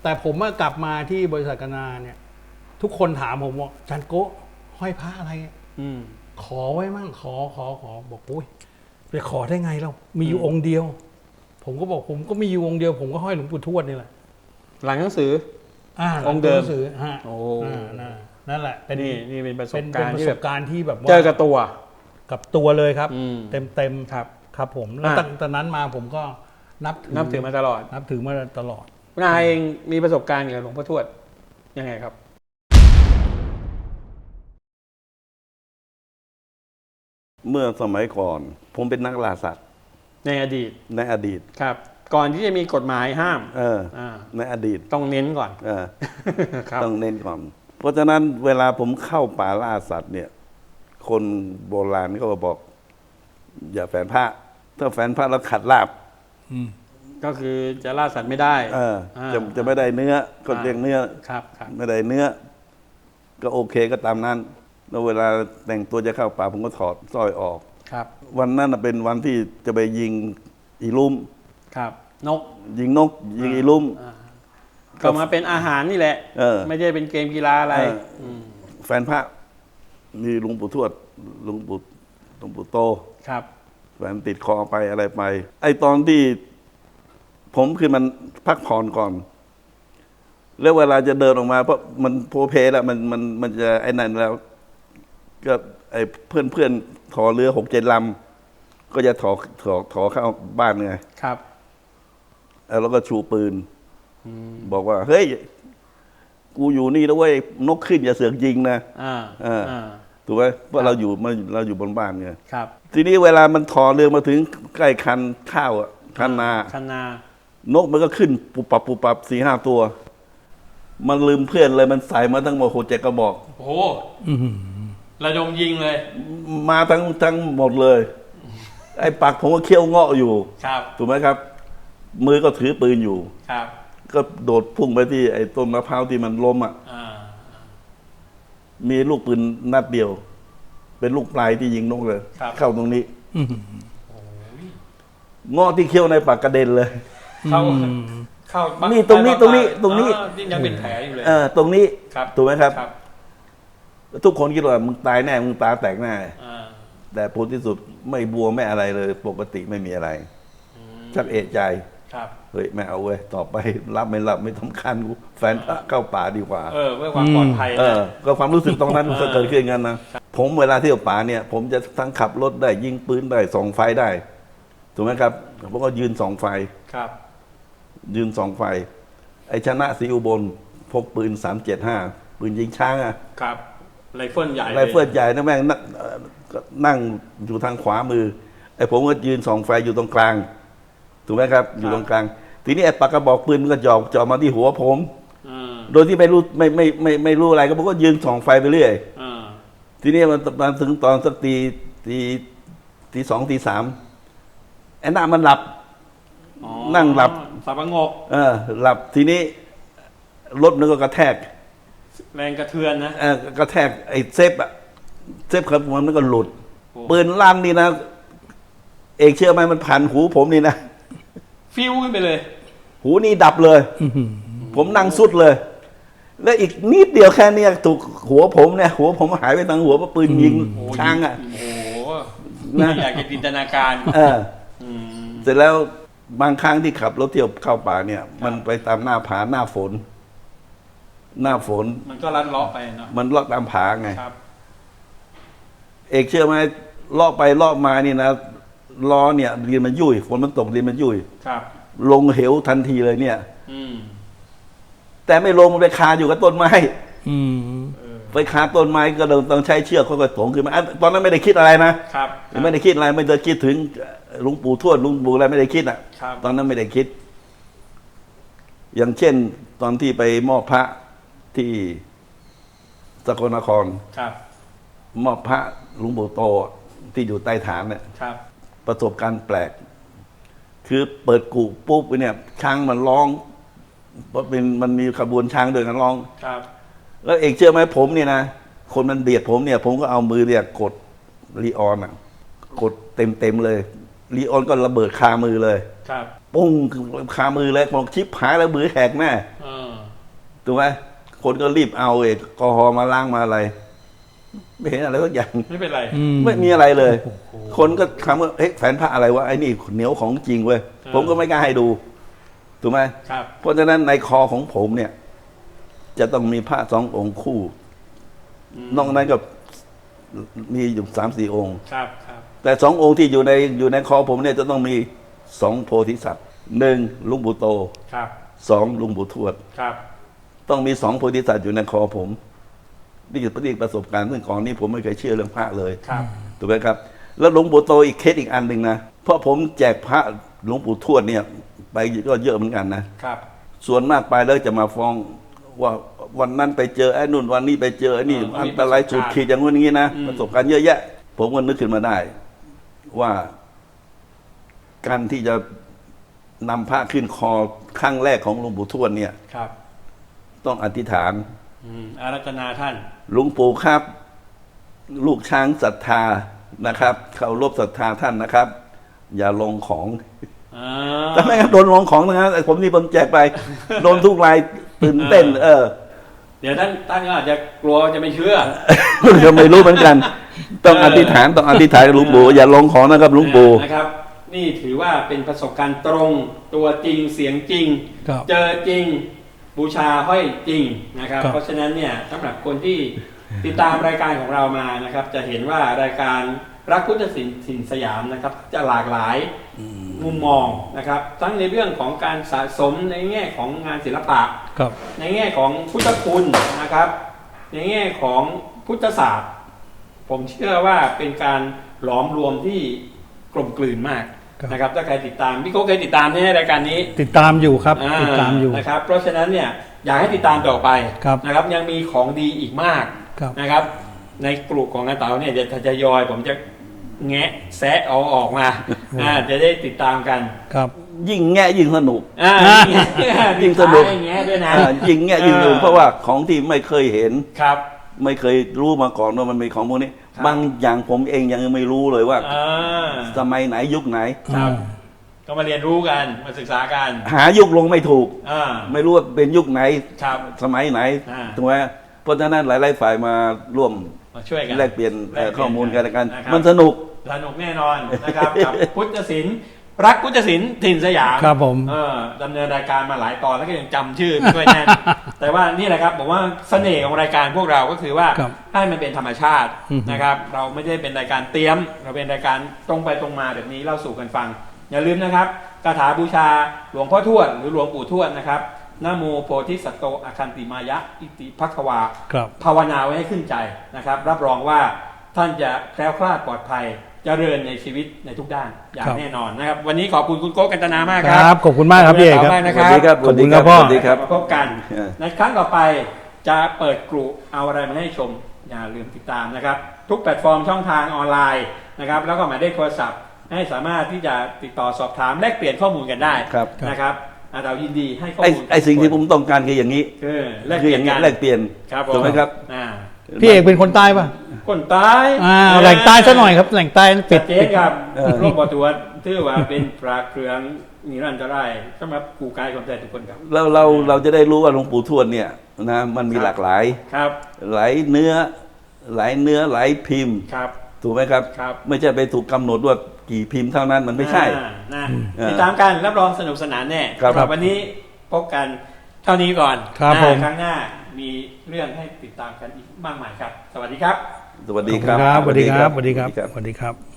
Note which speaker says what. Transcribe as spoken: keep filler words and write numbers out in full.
Speaker 1: แต่ผมกลับมาที่บริษัทกนาเนี่ยทุกคนถามผมว่าจันโก้ห้อยพระอะไรอืมขอไว้มั่งขอขอขอบอกโอ้ยไปขอได้ไงเรามีอยู่องค์เดียวผมก็บอกผมก็มีอยู่องค์เดียวผมก็ห้อยหลวงปู่ทวดนี่แหละ
Speaker 2: หลังหนังสือ
Speaker 1: อ่า
Speaker 2: องค์เดิม
Speaker 1: หนังสือฮะ
Speaker 2: โอ้
Speaker 1: นั่นแหละเป็น
Speaker 2: นี่นี่เป็นประสบ
Speaker 1: เป็น
Speaker 2: การณ์
Speaker 1: ประ
Speaker 2: ที่
Speaker 1: ส
Speaker 2: แบบ บ
Speaker 1: การณ์ที่แบบว่า
Speaker 2: เจอกับตัว
Speaker 1: กับตัวเลยครับ
Speaker 2: อืม
Speaker 1: เต็มเต็ม
Speaker 2: ครับ
Speaker 1: ครับผมแล้ว
Speaker 2: อ่ะ
Speaker 1: ตั้งแต่นั้นมาผมก็นับถือ
Speaker 2: นับถือมาตลอด
Speaker 1: นับถือมาตลอด
Speaker 2: คุณอาเองมีประสบการณ์กับหลวงพ่อทวดยังไงครับ
Speaker 3: เมื่อสมัยก่อนผมเป็นนักล่าสัตว์
Speaker 2: ในอดีต
Speaker 3: ในอดีต
Speaker 2: ครับ ก่อนที่จะมีกฎหมายห้าม
Speaker 3: เออในอดีต
Speaker 2: ต้องเน้นก่อน
Speaker 3: เออต้องเน้นก่อนเพราะฉะนั้นเวลาผมเข้าป่าล่าสัตว์เนี่ยคนโบราณก็บอก อย่าแฝงพระถ้าแฝงพระแล้วขัดลาบ
Speaker 2: ก็คือจะล่าสัตว์ไม่ได้
Speaker 3: เออจะจะไม่ได้เนื้อก็เรียกเนื้อ
Speaker 2: ครับครับ
Speaker 3: ไม่ได้เนื้อก็โอเคก็ตามนั้นแล้วเวลาแต่งตัวจะเข้าป่าผมก็ถอดสร้อยออก
Speaker 2: ครับ
Speaker 3: วันนั้นเป็นวันที่จะไปยิงอีลุ่ม
Speaker 2: ครับนก
Speaker 3: ยิงนกยิงอีลุ่ม
Speaker 2: ก็มาเป็นอาหารนี่แหละไม่ใช่เป็นเกมกีฬาอะไร
Speaker 3: แฟนพระมีหลวงปู่ทวดหลวงปู่หลวงปู่โต
Speaker 2: ครับ
Speaker 3: แฟนติดคอไปอะไรไปไอตอนที่ผมคือมันพักผ่อนก่อนแล้วเวลาจะเดินออกมาเพราะมันโพเพแล้วมันมันมันจะไอ้นั่นแล้วก็ไอ้เพื่อนเพื่อนถอเรือหกเจ็ดลำก็จะถอถอถอเข้าบ้านไง
Speaker 2: ครับ
Speaker 3: แล้วก็ชูปืนบอกว่าเฮ้ยกูอยู่นี่แล้วเว้ยนกขึ้นอย่าเสือกยิงนะ
Speaker 2: อ่า
Speaker 3: อ่าถูกไหมเพราะเราอยู่มาเราอยู่บนบ้านไง
Speaker 2: ครับ
Speaker 3: ทีนี้เวลามันถอเรือมาถึงใกล้คันข้าวอ่ะคันนา
Speaker 2: คันน
Speaker 3: านกมันก็ขึ้นปุบปับปุบปับสี่ห้าตัวมันลืมเพื่อนเลยมันใส่มาทั้งหมดหกเจ็ดกระบอก
Speaker 2: โอ้ระดมยิงเลย
Speaker 3: มาทั้งทั้งหมดเลยไอ้ปักผมก็เคี้ยวเงาะอยู่
Speaker 2: ครับ
Speaker 3: ถูกไหมครับมือก็ถือปืนอยู่
Speaker 2: ครับ
Speaker 3: ก็โดดพุ่งไปที่ไอ้ต้นมะพร้าวที่มันล้มอ่ะมีลูกปืนนัดเดียวเป็นลูกปลายที่ยิงนกเลยเข้าตรงนี้เงาะที่เคี้ยวในปากกระเด็นเลย
Speaker 2: เข้าเข้า
Speaker 3: นี่ตรงนี้ตรงนี้ตรงนี้
Speaker 2: ยังเป็นแผลอยู่เลย
Speaker 3: เออตรงนี้ถูกไหมครับ
Speaker 2: ครับ
Speaker 3: ทุกคนคิดว่ามึงตายแน่มึงตาแตกแน่แต่ผลที่สุดไม่บวมไม่อะไรเลยปกติไม่มีอะไรชักเอะใจเฮ้ยไม่เอาเว้ยต่อไปรับไม่รับไม่สำคัญกูแฟนพระเข้าป่าดีกว่า
Speaker 2: เออเพื่อความปลอดภัย
Speaker 3: เออก็ความรู้สึกตรงนั้นมันเกิดขึ้นกันนะผมเวลาเที่ยวป่าเนี่ยผมจะทั้งขับรถได้ยิงปืนได้ส่องไฟได้ถูกไหมครับผมก็ยืนส่องไฟ
Speaker 2: ครับ
Speaker 3: ยืนส่องไฟไอ้ชนะศรีอุบลพกปืนสามเจ็ดห้าปืนยิงช้างอ่ะ
Speaker 2: ครับไรเฟิลใหญ่
Speaker 3: ไรเฟิลใหญ่นะแม่งนั่งอยู่ทางขวามือไอ้ผมก็ยืนส่องไฟอยู่ตรงกลางถูกไหมครับอยู่ตรงกลางทีนี้ไอ้ปากกระบอกปืนมันก็จ่อจ่อมาที่หัวผมโดยที่ไม่รู้ไม่ไม่ไม่ไม่รู้อะไรก็ผมก็ยืนส่องไฟไปเรื่อยทีนี้มันมาถึงตอนสักตีตีตีสองตีสามไอ้หน้ามันหลับนั่งหลับ
Speaker 2: สับประงก
Speaker 3: เออหลับทีนี้รถมันก็กระแทก
Speaker 2: แรงกระเทือนนะ
Speaker 3: เออกระแทกไอ้เซฟอะเซฟครับมันก็หลุดปืนลั่นนี่นะเอกเชื่อไหมมันผ่านหูผมนี่นะ
Speaker 2: ฟิวขึ้นไปเลย
Speaker 3: หูนี่ดับเลยผมนั่งสุดเลยแล้วอีกนิดเดียวแค่นี้ถูกหัวผมเนี่ยหัวผมหายไปทางหัวเพราะปืนยิงช้างอ่ะ
Speaker 2: โอ้โหน่าอยากจะจินตนาการ
Speaker 3: เออเสร็จแล้วบางครั้งที่ขับรถเที่ยวเข้าป่าเนี่ยมันไปตามหน้าผาหน้าฝนหน้าฝน
Speaker 2: มันก็ลัดเลาะไปเนาะ
Speaker 3: มันเลาะตามผาไงเอกเชื่อไหมเลาะไปเลาะมานี่นะล้อเนี่ยเรียนมันยุ่ยฝนมันตกเรียนมันยุ่ยลงเหวทันทีเลยเนี่ยแต่ไม่ลงมันไปคาอยู่กับต้นไม้ไปคาต้นไม้ก็ต้องใช้เชือกค่อยๆถงขึ้นมาตอนนั้นไม่ได้คิดอะไรนะไม่ได้คิดอะไรไม่ได้คิดถึงหลวงปู่ทวดหลวงปู่อะไรไม่ได้คิดอ่ะตอนนั้นไม่ได้คิดอย่างเช่นตอนที่ไปมอบพระที่สกลนครมอบพระหลวงปู่โตที่อยู่ใต้ฐานเนี่ยประสบการณ์แปลกคือเปิดกูปุ๊บเนี่ยช้างมันร้องเพราะเป็นมันมีขบวนช้างเดินกันร้องแล้วเอกเชื่อไหมผมเนี่ยนะคนมันเบียดผมเนี่ยผมก็เอามือเนี่ยกดลีออนอ่ะกดเต็มเต็มเลยลีออนก็ระเบิดคามือเลยปุ้งคามือเลยบอกชิปหายแล้วมือแหกแน่ถูกไหมคนก็รีบเอาเอกกอฮอล์มาล้างมาอะไร ไม่เห็นอะไรสักอย่าง
Speaker 2: ไม่เป็นไร
Speaker 3: ไม่มีอะไรเลย คนก็ถามว่าเฮ้ยแฝนพระอะไรวะไอ้นี่เหนียวของจริงเว้ยผมก็ไม่กล้าให้ดูถูกไหม
Speaker 2: ครับ
Speaker 3: เพราะฉะนั้นในคอของผมเนี่ย จะต้องมีพระสององค์คู่ นอกนั้นก็มีอยู่สามสี่องค์
Speaker 2: ครับครับ
Speaker 3: แต่สององค์ที่อยู่ในอยู่ในคอผมเนี่ยจะต้องมีสองโพธิสัตว์หนึ่งลุงปู่โต
Speaker 2: ครับ
Speaker 3: สองลุงปู่ทวด
Speaker 2: ครับ
Speaker 3: ต้องมีสองโพธิสัตว์อยู่ในคอผมนี่คือประสบการณ์ซึ่งก่อนนี้ผมไม่เคยเชื่อเรื่องพระเลย
Speaker 2: ครับ
Speaker 3: ถูกไหมครับ แล้วหลวงปู่โตอีกเคสอีกอันหนึ่งนะเพราะผมแจกพระหลวงปู่ทวดเนี่ย ไปก็เยอะเหมือนกันนะครับ ส่วนมากไปแล้วจะมาฟ้องว่าวันนั้นไปเจอไอ้นู่นวันนี้ไปเจอไอ้นี่
Speaker 2: อ่า
Speaker 3: อันตรายสุดขีดอย่างนู้นอย่างนี้นะ
Speaker 2: อืม
Speaker 3: ประสบการณ์เยอะแยะ ผมก็นึกขึ้นมาได้ ว่าการที่จะนำพระขึ้นคอครั้งแรกของหลวงปู่ทวดเนี่ย
Speaker 2: ครับ
Speaker 3: ต้องอธิษฐาน
Speaker 2: อืมอารัธนาท่าน
Speaker 3: หลวงปู่ครับ ลูกช้างศรัทธานะครับเคารพศรัทธาท่านนะครับ อย่าลงของ
Speaker 2: อ่า
Speaker 3: แต่ไม่งั้นโดนลงของนะไอ้ผมนี่ผมแจกไป โดนทุกรายตื่นเต้น เออ
Speaker 2: เดี๋ยวท่านท่านก็อาจจะกลัวจะไม่เชื่อ
Speaker 3: ก็ไม่รู้เหมือนกัน ต้องอธิษฐานต้องอธิษฐานกับหลวงปู่อย่าลงของนะครับหลวงปู่
Speaker 2: นะครับ นี่ถือว่าเป็นประสบการณ์ตรงตัวจริงเสียงจริง
Speaker 1: ครับ
Speaker 2: เจอจริงบูชาห้อยจริงนะครับ
Speaker 1: ครับ
Speaker 2: เพราะฉะนั้นเนี่ยสำหรับคนที่ติดตามรายการของเรามานะครับ จะเห็นว่ารายการรักพุทธศิลป์ถิ่นสยามนะครับ จะหลากหลายมุมมองนะครับ ทั้งในเรื่องของการสะสมในแง่ของงานศิลปะ
Speaker 1: ครับ
Speaker 2: ในแง่ของพุทธคุณนะครับ ในแง่ของพุทธศาสตร์ ผมเชื่อว่าเป็นการหลอมรวมที่กลมกลืนมาก
Speaker 1: ครับ
Speaker 2: นะครับ ถ้าใครติดตามพี่โก้เคยติดตามในรายการนี้
Speaker 1: ติดตามอยู่ครับ
Speaker 2: อ่
Speaker 1: ติดตามอยู่
Speaker 2: นะครับ เพราะฉะนั้นเนี่ยอยากให้ติดตามต่อไป
Speaker 1: ครับ
Speaker 2: นะครับ ยังมีของดีอีกมาก
Speaker 1: ครับ
Speaker 2: นะครับ ในกลุ่มของอาเต๋าเนี่ยจะทยอยผมจะแงะแซะเอาออกมาอ่าจะได้ติดตามกัน
Speaker 1: ครับ
Speaker 3: ยิ่งแง่ยิ่งสนุก
Speaker 2: อ่า
Speaker 3: ยิ่งสนุก
Speaker 2: แงะด้วยนะ
Speaker 3: อ่ายิ่งแง่ยิ่งสนุกเพราะว่าของที่ไม่เคยเห็น
Speaker 2: ครับ
Speaker 3: ไม่เคยรู้มาก่อนว่ามันมีของพวกนี้
Speaker 2: ครับ
Speaker 3: บางอย่างผมเองยังไม่รู้เลยว่า
Speaker 2: อ่า
Speaker 3: สมัยไหนยุคไหน
Speaker 2: ครับ ก็มาเรียนรู้กันมาศึกษากัน
Speaker 3: หายุคลงไม่ถูก
Speaker 2: อ่า
Speaker 3: ไม่รู้ว่าเป็นยุคไหน
Speaker 2: ครับ
Speaker 3: สมัยไหน
Speaker 2: อ่า
Speaker 3: ถูกไหมเพราะฉะนั้นหลายๆฝ่ายมาร่วม
Speaker 2: มาช่วยกัน
Speaker 3: แลกเปลี่ยนเอ่อ
Speaker 2: แลกเปลี่ยน
Speaker 3: ข้อมูลกันและกัน
Speaker 2: นะครับ
Speaker 3: มันสนุก
Speaker 2: สนุกแน่นอนนะครับ กับพุทธศิลป์รักพุทธศิลป์ถิ่นสยาม
Speaker 1: ครับผม
Speaker 2: เออดำเนินรายการมาหลายตอนแล้วก็ยังจำชื่อไม่ค่อยแน่น แต่ว่านี่แหละครับผมว่าเสน่ห์ของรายการพวกเราก็คือว่า
Speaker 1: ครับ
Speaker 2: ให้มันเป็นธรรมชาติ
Speaker 1: อือฮึ
Speaker 2: นะครับ เราไม่ได้เป็นรายการเตรียม เราเป็นรายการตรงไปตรงมาแบบนี้เล่าสู่กันฟัง อย่าลืมนะครับคาถาบูชาหลวงพ่อทวดหรือหลวงปู่ทวดนะครับนะโมโพธิสัตโตอคันติมายะอิติภัควา
Speaker 1: ครับ
Speaker 2: ภาวนาไว้ให้ขึ้นใจนะครับ รับรองว่าท่านจะแคล้วคลาดปลอดภัยเจริญในชีวิตในทุกด้านอย่าง
Speaker 1: ครับ
Speaker 2: แน่นอนนะครับ วันนี้ขอบคุณคุณโก้กันตนามาก
Speaker 1: ค
Speaker 2: ครั
Speaker 1: รับ ขอบคุณมากครับพี่เอกครับ
Speaker 2: ขอบคุณมากนะ
Speaker 3: สวัสดีครับ
Speaker 1: ขอบคุณครับพ่อ
Speaker 3: สวัสดีครับ
Speaker 2: มาพบกัน
Speaker 3: เออ
Speaker 2: ในครั้งต่อไปจะเปิดกลุ่มเอาอะไรมาให้ชม อย่าลืมติดตามนะครับ ทุกแพลตฟอร์มช่องทางออนไลน์นะครับ แล้วก็หมายเลขโทรศัพท์ ให้สามารถที่จะติดต่อสอบถามแลกเปลี่ยนข้อมูลกันได้
Speaker 3: ครับ
Speaker 2: นะครับอ่าเรายินดีให้ข้อ
Speaker 3: ไอ้
Speaker 2: มูล
Speaker 3: ไอ้สิ่งที่ผมต้องการคืออย่างนี้
Speaker 2: คือแลก
Speaker 3: คื
Speaker 2: เป
Speaker 3: อ
Speaker 2: ลี่
Speaker 3: อย
Speaker 2: น
Speaker 3: ย่างนี้
Speaker 2: กัน
Speaker 3: แลกเปลี่ยน
Speaker 2: ครับผม
Speaker 3: ถูกไหมครับ
Speaker 2: อ่า
Speaker 1: พี่เอกเป็นคนใต้ป่ะ
Speaker 2: คนใต้
Speaker 1: อ่าแหล่งใต้ซะหน่อยครับ แหล่งใต้ปิ
Speaker 2: ชั
Speaker 1: ด
Speaker 2: ดเจนครับ
Speaker 3: เออ
Speaker 2: โรคปอดตัวถือว่าเป็นปลาเครืองนิรันตรายสำหรับกูกายคนไทยทุกคนครับ
Speaker 3: เราเราเราจะได้รู้ว่าหลวงปู่ทวดเนี่ยนะมันมีหลากหลาย
Speaker 2: ครับ
Speaker 3: หลายเนื้อ หลายเนื้อหลายพิมพ์
Speaker 2: ครับ
Speaker 3: ถูกไหมครับ
Speaker 2: ครับ
Speaker 3: ไม่ใช่ไปถูกกำหนดว่ากี่พิมพ์เท่านั้นมันไม่ใช่
Speaker 2: อ่านะ
Speaker 3: เออ
Speaker 2: ติดตามกันรับรองสนุกสนานแน่
Speaker 3: ครับ
Speaker 2: สำหวันนี้พบกันเท่านี้ก่อน
Speaker 1: ครับ
Speaker 2: นะ
Speaker 1: ผม
Speaker 2: ครั้งหน้ามีเรื่องให้ติดตามกันอีกมากมายครับ สวัสดีครับ
Speaker 3: สวัสดี
Speaker 1: ขอบ
Speaker 3: ค
Speaker 1: คุ
Speaker 3: รับ
Speaker 1: ณครับสวัสดีครับสวัสดีครับสวัสดีครับ